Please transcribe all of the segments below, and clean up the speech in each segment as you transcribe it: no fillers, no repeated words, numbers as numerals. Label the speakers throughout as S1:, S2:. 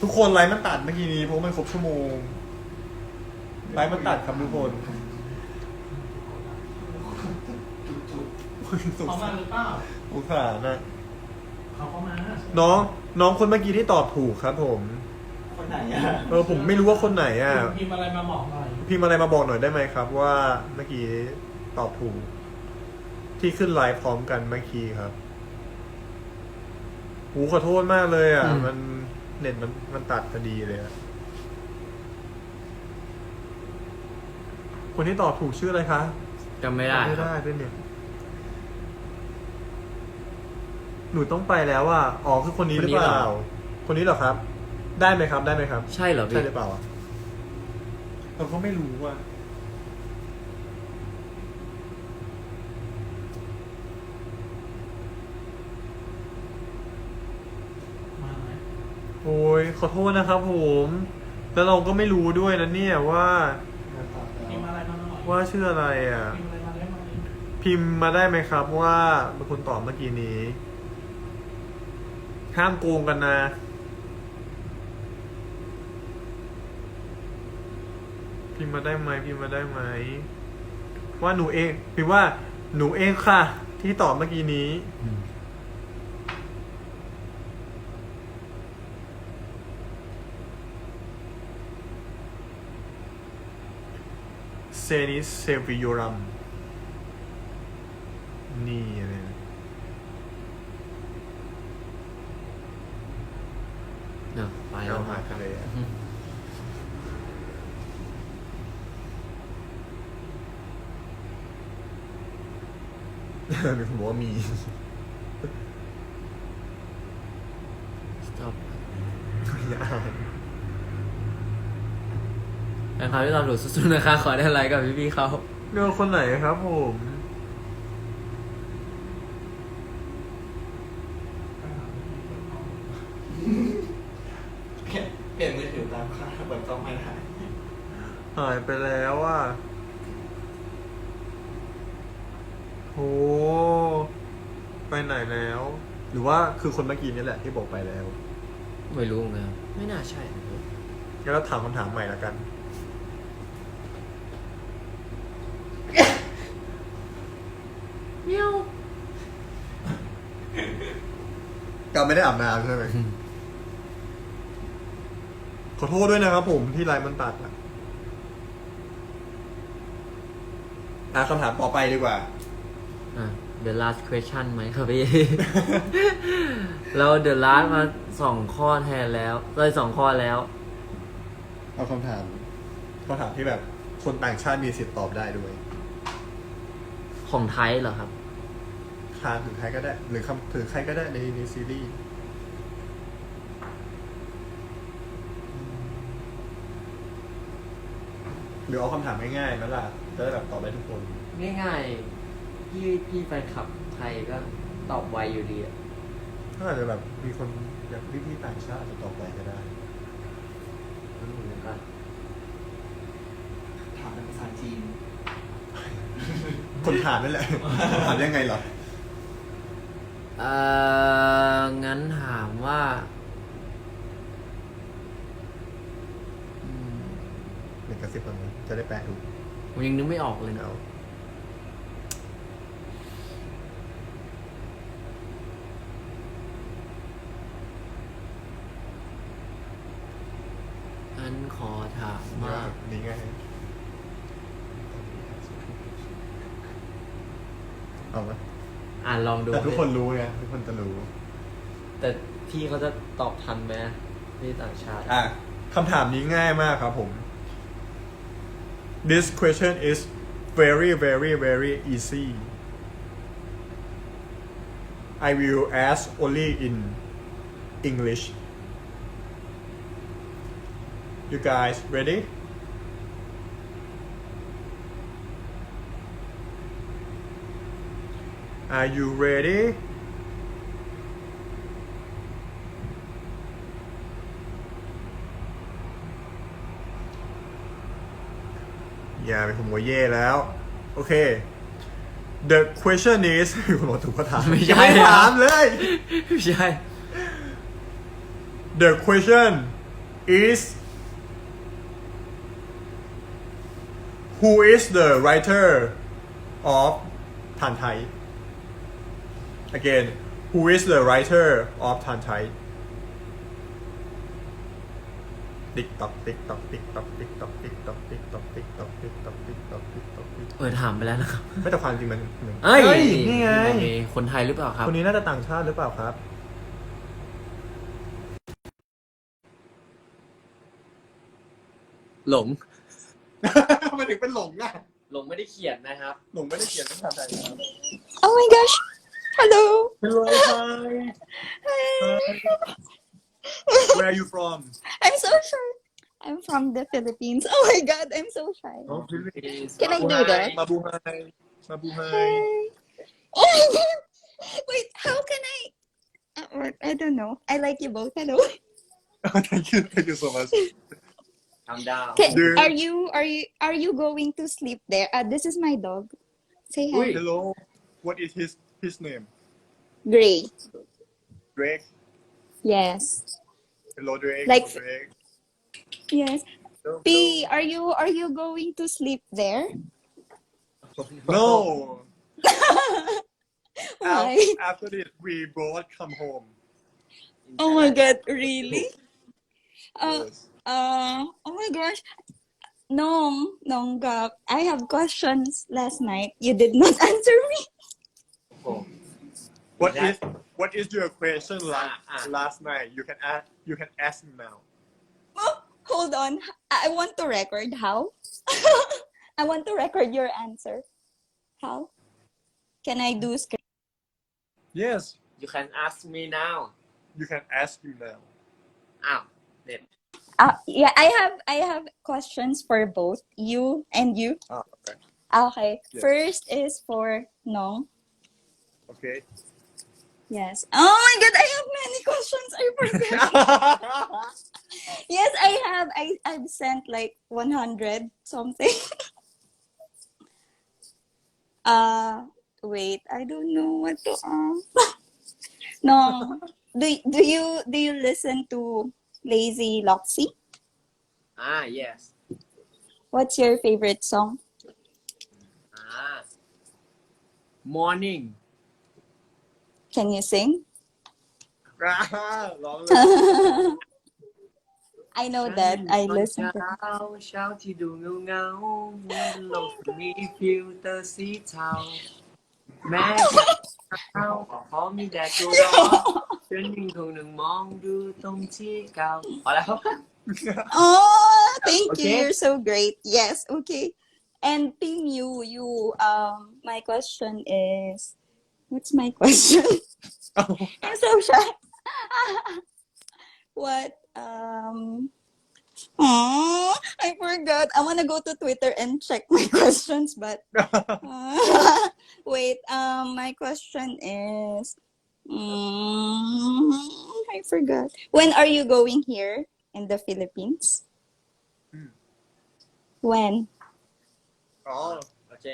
S1: ทุกคนไลฟ์มันตัดเมื่อกี้นี้เพราะมันครบชั่วโมงไลฟ์มันตัดครับทุกคนสง
S2: เขา
S1: สา
S2: มาหรือเปล่า
S1: สงสารนะ
S2: เขาเข้ามา
S1: น้องคนเมื่อกี้ที่ตอบถูกครับผม
S3: คนไหนอ่ะ
S1: ผมไม่รู้ว่าคนไหนอ่ะ
S2: พิมพ์อะไรมาบอกหน่อย
S1: พิมพ์อะไรมาบอกหน่อยได้ไหมครับ ว่าเมื่อกี้ตอบถูก ที่ขึ้นไลฟ์พร้อมกันเมื่อกี้ครับหูขอโทษมากเลยอ่ะ มันเน็ตมันตัดพอดีเลยอะคนที่ตอบถูกชื่ออะไรคะ
S4: จำไม่ได้
S1: ไม่
S4: ครับ
S1: ได้ด้วยเนี่ยหนูต้องไปแล้วอ่ะอ๋อคือคนนี้หรือเปล่า คนนี้เหรอครับ ได้ไหมครับ ได้ไหมครับ
S4: ใช่เหรอพี่
S1: ใช่หรือเปล่าอ่ะเราก็ไม่รู้อ่ะ
S2: มาไหม
S1: โอ้ยขอโทษนะครับผม แล้วเราก็ไม่รู้ด้วยนะเนี่ยว่า
S2: พิมพ์อะไรมาหน่อย
S1: ว่าชื่ออะไรอ่ะ
S2: พิมพ์อะไรมาได้ไหม
S1: พิมพ์มาได้ไหมครับว่าเป็นคนตอบเมื่อกี้นี้ ห้ามโกงกันนะ พิมพ์มาได้ไหมพิมพ์มาได้ไหมว่าหนูเองพิมพ์ว่าหนูเองค่ะ ที่ตอบเมื่อกี้นี้ เซนิสเซวิโยรัมนี่อะไรนะ
S4: เนาะไปแล้
S1: เอา
S4: ว
S1: หากันเลยอะผมบอกว่ามี
S4: stop
S1: อย่าอ่าน
S4: นะครับที่ตอบถูกสุดๆนะคะ ขอได้ไลค์กับพี่ๆเขา
S1: เลือกคนไหนครับผม
S3: เปลี่ยนมือถือตามค่าเปิดกล้องไม่ได้
S1: หายไปแล้วอ่ะโหไปไหนแล้ว หรือว่าคือคนเมื่อกี้นี่แหละที่บอกไปแล้ว
S4: ไม่รู้เหมือนกันครับไม่น่าใช่นะครับ
S1: งั้นเราถามคำถามใหม่ละกัน
S4: เมียว
S1: กาไม่ได้อาบน้ำใช่ไหม ขอโทษด้วยนะครับผมที่ไลน์มันตัดคำถามต่อไปดีกว่า
S4: the last question ไหมครับพี่ เรา the last มา2 ข้อแทนแล้วเลย2 ข้อแล้ว
S1: เอาคำถามที่แบบคนต่างชาติมีสิทธิ์ตอบได้ด้วย
S4: ของไทยเหรอครับ
S1: คานถึงใครก็ได้ หรือคำถึงใครก็ได้ในซีรีส์หรือเอาคำถามง่ายๆนั่นแหละจะได้แบบตอบได้ทุกคน
S4: ง่ายๆพี่แฟนคลับไทยก็ตอบไวอยู่ดีอะ
S1: ถ้าอาจจะแบบมีคนแบบพี่ๆต่างชาติอาจจะตอบไปก็ได้
S4: ไม่รู้เหมือนกัน
S3: ถามเป็นภาษาจีน
S1: คนถามนั่นแหละ ถามยังไงเหรอ
S4: งั้นถามว่า
S1: หนึ่งกระซิบก่อนนะจะได้แปลถูก
S4: ผมยังนึกไม่ออกเลยนะ
S1: เอา
S4: งั้นขอถามว่า
S1: นี่ไงเอาไหม
S4: ลองดู
S1: แต่ทุกคนรู้ไงทุกคนจะรู้
S4: แต่พี่เขาจะตอบทันไหมพี่ต่างชาติ
S1: คำถามนี้ง่ายมากครับผม This question is very very very easy I will ask only in English You guys ready? Are you ready?อย่าไปผมว่าเย่แล้ว โอเค The question is คุณบอกถูกก็ถาม
S4: ไม่ใช่
S1: ยังไม่ถามเลย
S4: ไม่ใช่
S1: The question is who is the writer of Tan Thai? Again, who is the writer of Tan Thai? Tick tock, tick tock, tick tock, tick tock, tick tock, tick tock, tick tock, tick tock, tick tock, tick tock, tick tock
S4: ถามไปแล้วนะครับ
S1: ไม่แต่ความจริงมัน
S4: เอ้ย
S1: นี่ไง
S4: มีคนไทยหรือเปล่าครับ
S1: คนนี้น่าจะต่างชาติหรือเปล่าครับ
S4: หลง
S1: ทำไมถึงเป็นหลงอ่ะ
S4: หลงไม่ได้เขียนนะครับ
S1: หลงไม่ได้เขียนภาษาไทยครับ
S5: Oh my gosh. Hello.
S1: Hello, hi. Where are you from?
S5: I'm so shy. I'm from the Philippines. Oh my god, I'm so shy.
S1: Oh, Philippines.
S5: Can I do that?
S1: Mabuhay. Mabuhay.
S5: Hi. Oh my god. Wait, how can I? I don't know. I like you both. Hello.
S1: Thank you so much.
S4: calm down
S1: Dude.
S5: Are you going to sleep there? This is my dog. Say hi.
S4: Wait.
S1: Hello. What is his name?
S5: Gray.
S1: Drake.
S5: Yes.
S1: Hello, Drake.
S5: Like-
S1: Hello, Drake.
S5: Yes.
S1: Hello,
S5: P, are you going to sleep there?
S1: No.
S5: Why?
S1: After this, we both come home.
S5: Oh my god, really?
S1: Yes.
S5: Oh my gosh. Nong Gab, I have questions last night. You did not answer me.
S1: What is your question last night? You can ask me now.
S5: Oh, hold on. I want to record how. I want to record your answer. How? Can I do script?
S1: Yes,
S4: you can ask me now
S1: you can ask me now.
S4: อ้าวเด็ด
S5: Yeah, I have questions for both you and you.
S1: Ah, okay.
S5: Okay.
S1: Yes.
S5: First is for Nong.
S1: Okay.
S5: Yes. Oh my god, I have many questions. I forgot. Yes, I have. I've sent like 100 something. Wait, I don't know what to ask. No. Do you listen to Lazy Loxy?
S4: yes
S5: What's your favorite song?
S4: morning
S5: Can you sing?
S1: ร้องเลย
S5: I know that. I listen to
S4: เช้าที่ดูเงาเหมือนโลกมีฟิลเตอร์สีเทาแม้เช้าพอมีแดดก็ร้อนฉันยังคงนั่งมองดูตรงที่เก่าพอแล้ว
S5: Oh, thank you.
S4: Okay.
S5: You're so great. Yes, okay. And Ping, my question is, what's my question? I'm so shy. What? Oh, I forgot. I want to go to Twitter and check my questions, but wait. My question is, I forgot. When are you going here in the Philippines? When?
S1: Oh,
S4: โอเค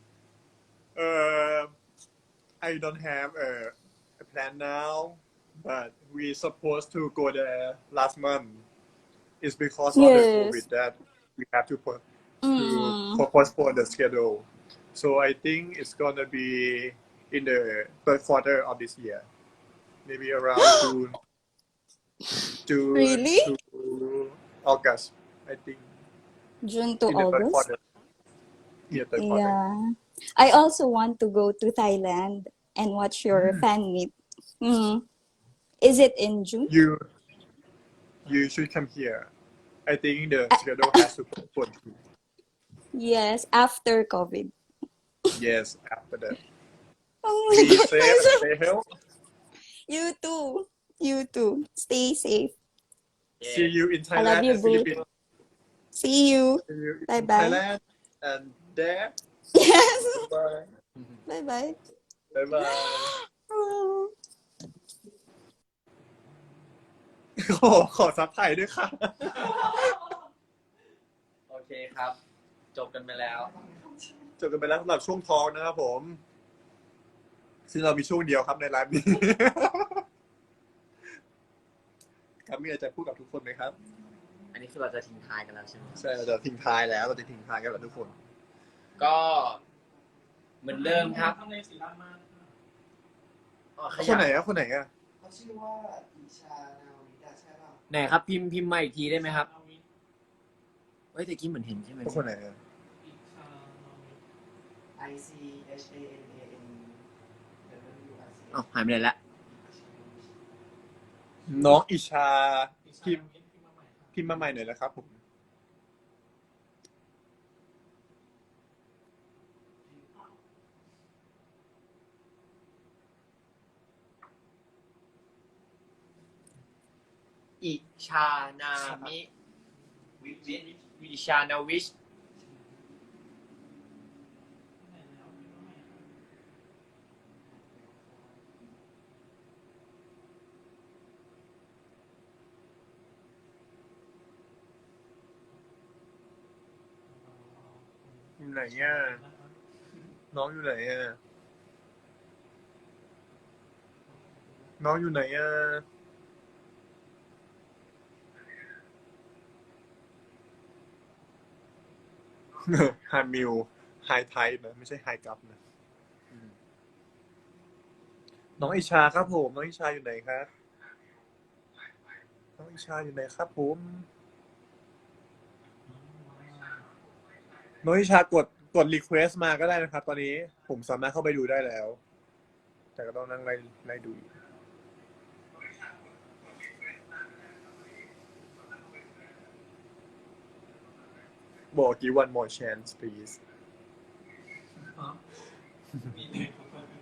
S1: I don't have a plan now, but we supposed to go there last month. It's because of the
S5: Yes.
S1: COVID that we have to
S5: Mm.
S1: postpone the schedule. So I think it's gonna be in the third quarter of this year, maybe around June
S5: Really?
S1: to August. I think
S5: June to
S1: in the third
S5: August?
S1: quarter. Yeah, third quarter.
S5: Yeah. I also want to go to Thailand and watch your fan meet. Is it in June?
S1: You should come here. I think the schedule has to postpone too.
S5: Yes, after COVID.
S1: Yes, after that.
S5: Oh my
S1: Be
S5: god.
S1: safe and stay healthy.
S5: You too. You too. Stay safe.
S1: See you in
S5: I
S1: Thailand
S5: love you,
S1: and
S5: boo.
S1: Philippines.
S5: See you.
S1: See you in
S5: Bye-bye.
S1: Thailand and there.
S5: Yes.
S1: Bye.
S5: Bye bye.
S1: Bye bye. ขอซับไทยด้วยค่ะ
S4: โอเคครับ จบกันไปแล้ว
S1: จบกันไปแล้วสำหรับช่วงทองนะครับผม ซึ่งเรามีช่วงเดียวครับในไลฟ์นี้ ครับมีอะไรจะพูดกับทุกคนไหมครับ
S4: อันนี้คือเราจะทิ้งท้ายกันแล้วใช่ไหม
S1: ใช่เราจะทิ้งท้ายแล้วเราจะทิ้งท้ายกันแล้วทุกคน
S4: ก็เหมือนเดิมครับ
S2: ทำในสีดำมาก
S1: คนไหนอะคนไหนอะ
S3: เขาชื่อว่าอิชานาวิดาใช่ป่ะ
S4: ไหนครับพิมพ์มาอีกทีได้ไหมครับ
S2: เอาวิ
S4: เฮ้ยแต่กี้เหมือนเห็นใช่ไหม
S1: คนไหนอะ
S2: อีกชาเอาวิ
S3: ICHANAN WIC
S4: อ้าวหายไปไหนละ
S1: น้องอิชา
S2: อีกชา
S1: พิมพ์
S2: พิมพ์มาใหม่ครับ
S1: พิมพ์มาใหม่หน่อยนะครับผม
S4: อิชานามิวิชานาวิช
S2: ไหนแล้วพิมพ์มาใหม่ครับ
S1: อยู่ไหนอะน้องอยู่ไหนอะน้องอยู่ไหนอะ ไฮมิวไฮไทป์นะไม่ใช่ไฮกัปนะน้องอิชาครับผมน้องอิชาอยู่ไหนครับน้องอิชาอยู่ไหนครับผมน้องอิชากดรีเควสมาก็ได้นะครับ ตอนนี้ผมสามารถเข้าไปดูได้แล้ว แต่ก็ต้องนั่งไล่ดูอีกบอกกี่ one more chance please
S2: มีเด็กคนนึง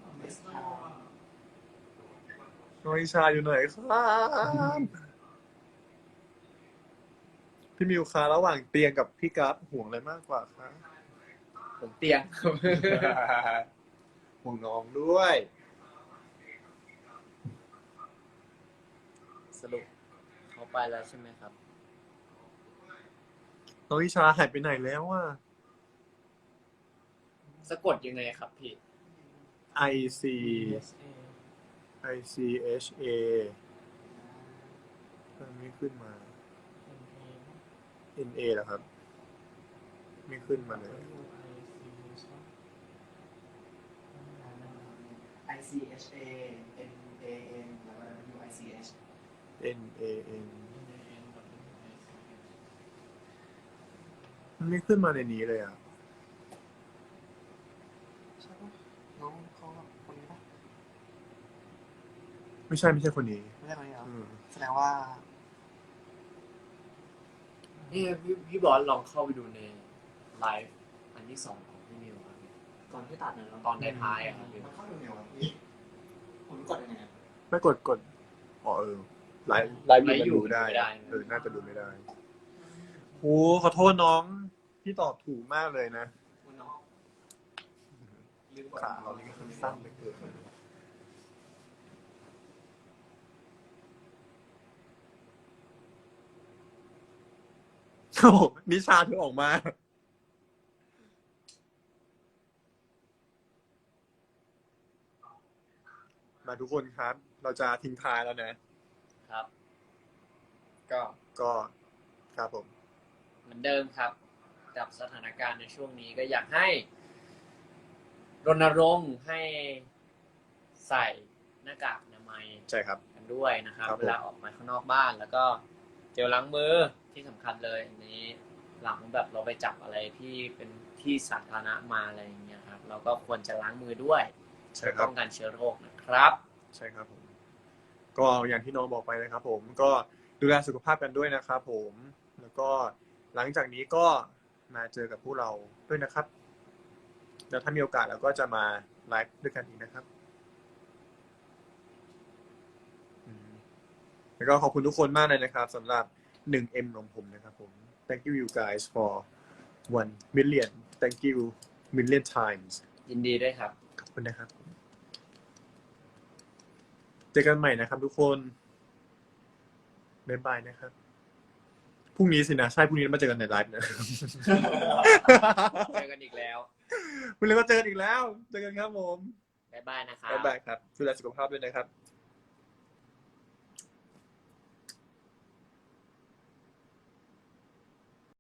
S1: น้องอิชาอยู่ไหนครับพี่มิวคะระหว่างเตียงกับพี่กัฟห่วงอะไรมากกว่าคะ
S4: ผมเตียง
S1: ห่วงน้องด้วย
S4: สรุปเขาไปแล้วใช่ไหมครับ
S1: น้องอิชาหายไปไหนแล้วอ่ะ
S4: สะกดยังไงครับพี่
S1: I C
S2: เอ
S1: I C H A ไม่ขึ้นมา N A เหรอครับ ไม่ขึ้นมาเลย
S3: ICHANAN แล้วก็ WICH
S1: N A N มันไม่ขึ้นมาในนี้เลยอ่ะ
S3: ใช่ป่ะน้องเขาแบบคนนี้ป่ะ
S1: ไม่ใช่คนนี้
S3: ไม่ใช่คนนี้เหรอ
S1: อืม
S3: แสดงว่า
S4: นี่พี่บอสลองเข้าไปดูในไลฟ์อันที่2ของพี่มิวครับ
S3: ก่อนที่ตัดเนี่ย
S4: ตอนท้ายๆอะครับพี่
S3: มันเข้าดูไงวะพี่ผมกดยังไงอะ
S1: ไม่กดอ๋อไลฟ์อยู่มันดูได้น่าจะดูไม่ได้โอ้ขอโทษน้องพี่ตอบถูกมากเลยนะ
S3: คุณน้องลืมกด
S1: ขาเรานี่ก็สั้นเหลือเกินโอ้โหนิชาเธอออกมา มาทุกคนครับ เราจะทิ้งท้ายแล้วนะ
S4: ครับ ก็
S1: ก็ครับผม
S4: เหมือนเดิมครับ กับสถานการณ์ในช่วงนี้ก็อยากให้รณรงค์ให้ใส่หน้ากากอนามัย
S1: ใช่ครับ
S4: กันด้วยนะครับ
S1: ครับผม
S4: เวลาออกมาข้างนอกบ้าน แล้วก็เจลล้างมือที่สำคัญเลยอันนี้หลังแบบเราไปจับอะไรที่เป็นที่สาธารณะมาอะไรอย่างเงี้ยครับ เราก็ควรจะล้างมือด้วย
S1: ใช่
S4: เพื่อ
S1: ครับ
S4: ป้องกันเชื้อโรคนะครับ
S1: ใช่ครับผม ก็อย่างที่น้องบอกไปนะครับผมก็ดูแลสุขภาพกันด้วยนะครับผม แล้วก็หลังจากนี้ก็มาเจอกับพวกเราด้วยนะครับแล้วถ้ามีโอกาสเราก็จะมาไลฟ์ด้วยกันอีกนะครับแล้วก็ขอบคุณทุกคนมากเลยนะครับสำหรับ 1M ของผมนะครับผม thank you guys for 1 million thank you million times
S4: ยินดีด้วยครับ
S1: ขอบคุณนะครับ เจอกันใหม่นะครับทุกคนบ๊ายบายนะครับ พรุ่งนี้สินะ ใช่ พรุ่งนี้มาเจอกันในไลฟ์นะ
S4: เจอกันอีกแล้ว
S1: พรุ่งนี้ก็เจอกันอีกแล้ว เจอกันครับผม
S4: บ๊ายบายนะครับ
S1: บ๊ายบายครับดูแลสุขภาพด้วยนะครับ